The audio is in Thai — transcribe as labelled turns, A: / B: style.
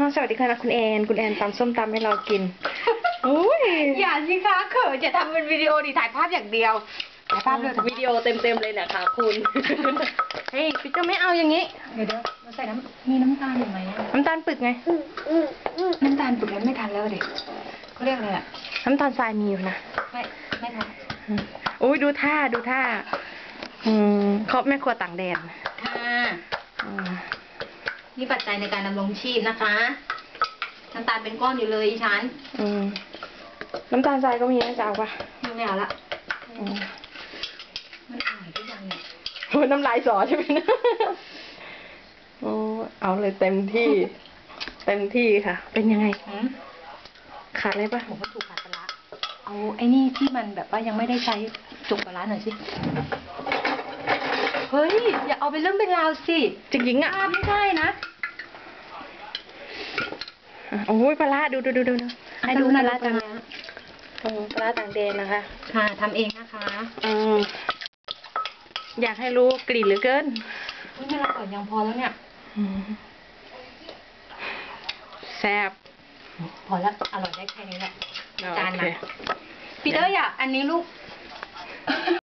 A: สวัสดีค่ะคุณแอนตำส้มตำให้เรากินอุ้ย
B: อย่าสิคะเขินจะทำเป็นวิดีโอดิถ่ายภาพอย่างเดียวถ่ายภาพเลย
A: วิดีโอเต็มเลยนะคะคุณเฮ้ยพี่เจ้าไม่เอาอย่างนี้
B: เดี๋ยวเราใส่มีน้ำตาลอยู่ไหม
A: น้ำตาลปึกไง
B: น้ำตาลปึกมันไม่ทันแล้วเด็กเขาเรียกอะไรอะ
A: น้ำตาลทรายมีอยู่นะ
B: ไม่ทัน
A: อุ้ยดูท่าเขาแม่ครัวต่างแดน
B: ค่ะนี่ปัจจัยในการดำรงชีพนะคะน้ำตาลเป็นก้อนอยู่เลยฉัน
A: น้ำตาลทรายก็มีนะจ๊ะป่ะ
B: ไม่เอาละมันอร่อยทุกอย่างเนี่ย
A: โอ้น้ำลายสอใช่ไหมนะโอ้เอาเลยเต็มที่ค่ะเป็นยังไงขาดอะไรป่ะ
B: ผมก็ถูกขาดปลาเอาไอ้นี่ที่มันแบบว่ายังไม่ได้ใช้จุกปลาหน่อยสิเฮ้ยอย่าเอาเป็นเรื่องเป็นราวสิ
A: จริงๆอ่ะ
B: ไม่ได้นะ
A: โอ้ยปลาดูให้ดูปลาต่างปลาต่างแดนนะคะ
B: ค่ะทำเองนะคะ
A: อยากให้รู้กลิ่นเหลือเกิน
B: ไม่ละก่อนยังพอแล้วเนี่ย
A: แซ่บ
B: พอแล้วอร่อยได้แค่นี้แหละจานนะปีเตอร์อยากอันนี้ลูก